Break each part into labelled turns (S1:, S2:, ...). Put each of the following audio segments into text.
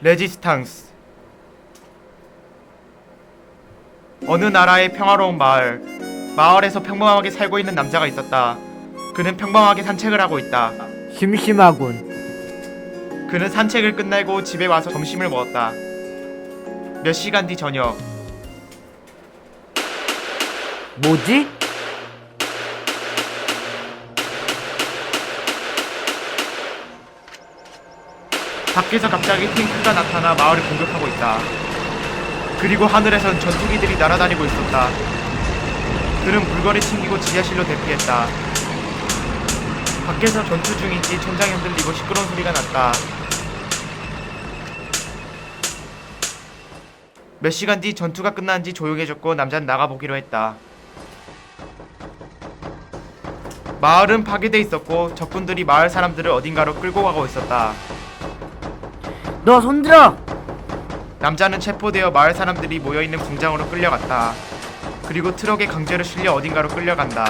S1: 레지스탕스. 어느 나라의 평화로운 마을에서 평범하게 살고 있는 남자가 있었다. 그는 평범하게 산책을 하고 있다.
S2: 심심하군.
S1: 그는 산책을 끝내고 집에 와서 점심을 먹었다. 몇 시간 뒤 저녁.
S2: 뭐지?
S1: 밖에서 갑자기 탱크가 나타나 마을을 공격하고 있다. 그리고 하늘에선 전투기들이 날아다니고 있었다. 그는 물건을 챙기고 지하실로 대피했다. 밖에서 전투 중인지 천장이 흔들리고 시끄러운 소리가 났다. 몇 시간 뒤 전투가 끝난지 조용해졌고 남자는 나가보기로 했다. 마을은 파괴돼 있었고 적군들이 마을 사람들을 어딘가로 끌고 가고 있었다.
S2: 너 손들어!
S1: 남자는 체포되어 마을 사람들이 모여있는 공장으로 끌려갔다. 그리고 트럭에 강제로 실려 어딘가로 끌려간다.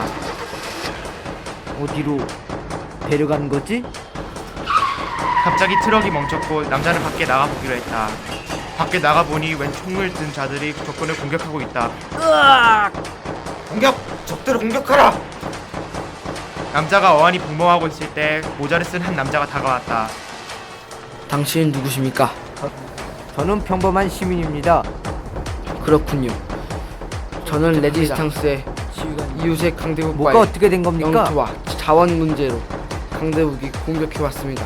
S2: 어디로 데려간 거지?
S1: 갑자기 트럭이 멈췄고 남자는 밖에 나가보기로 했다. 밖에 나가보니 웬 총을 든 자들이 적군을 공격하고 있다.
S2: 으악!
S1: 공격! 적들을 공격하라! 남자가 어안이 복멍하고 있을 때 모자를 쓴 한 남자가 다가왔다.
S3: 당신은 누구십니까?
S2: 저는 평범한 시민입니다.
S3: 그렇군요. 저는 레지스탕스의 이웃의
S2: 뭐가
S3: 강대국과의
S2: 어떻게 된 겁니까?
S3: 영토와 자원 문제로 강대국이 공격해왔습니다.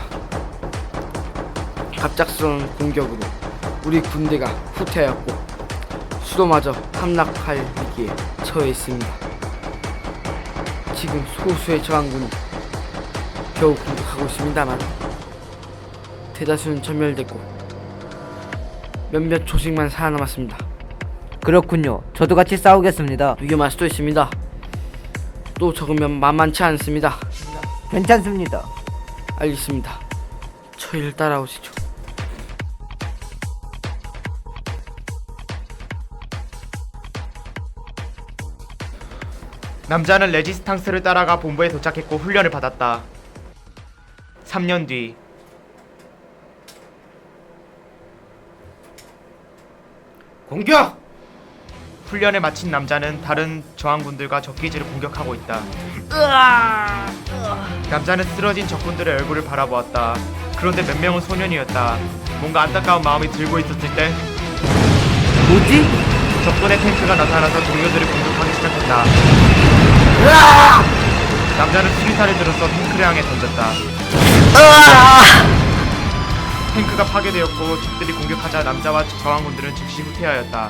S3: 갑작스러운 공격으로 우리 군대가 후퇴하였고 수도마저 함락할 위기에 처해 있습니다. 지금 소수의 저항군이 겨우 공격하고 있습니다만 대다수는 전멸됐고 몇몇 조직만 살아남았습니다.
S2: 그렇군요. 저도 같이 싸우겠습니다.
S3: 위험할 수도 있습니다. 또 적으면 만만치 않습니다.
S2: 괜찮습니다.
S3: 알겠습니다. 저희를 따라오시죠.
S1: 남자는 레지스탕스를 따라가 본부에 도착했고 훈련을 받았다. 3년 뒤. 공격! 훈련을 마친 남자는 다른 저항군들과 적기지를 공격하고 있다. 남자는 쓰러진 적군들의 얼굴을 바라보았다. 그런데 몇 명은 소년이었다. 뭔가 안타까운 마음이 들고 있었을 때
S2: 뭐지?
S1: 적군의 탱크가 나타나서 동료들을 공격하기 시작했다. 남자는 수리탄을 들어서 탱크를 향해 던졌다. 탱크가 파괴되었고 적들이 공격하자 남자와 저항군들은 즉시 후퇴하였다.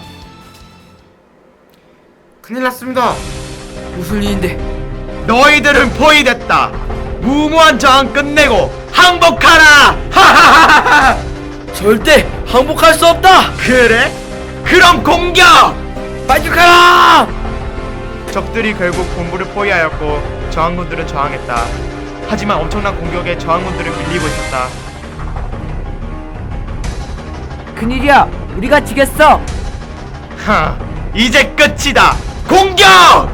S1: 큰일 났습니다.
S3: 무슨 일인데?
S1: 너희들은 포위됐다. 무모한 저항 끝내고 항복하라. 하하하하.
S3: 절대 항복할 수 없다.
S1: 그래? 그럼 공격!
S3: 반격하라!
S1: 적들이 결국 본부를 포위하였고 저항군들은 저항했다. 하지만 엄청난 공격에 저항군들은 밀리고 있었다.
S2: 큰일이야! 우리가 지겠어!
S1: 하, 이제 끝이다. 공격!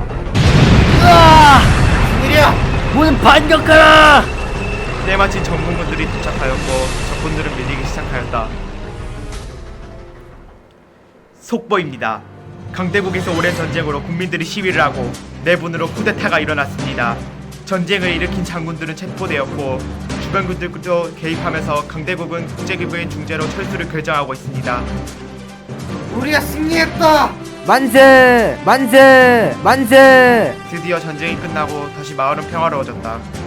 S2: 큰일이야! 모두 반격하라!
S1: 때마침 전문군들이 도착하였고 적군들은 밀리기 시작하였다. 속보입니다. 강대국에서 오랜 전쟁으로 국민들이 시위를 하고 내분으로 쿠데타가 일어났습니다. 전쟁을 일으킨 장군들은 체포되었고 주변군들도 개입하면서 강대국은 국제기구의 중재로 철수를 결정하고 있습니다. 우리가 승리했다!
S2: 만세! 만세! 만세!
S1: 드디어 전쟁이 끝나고 다시 마을은 평화로워졌다.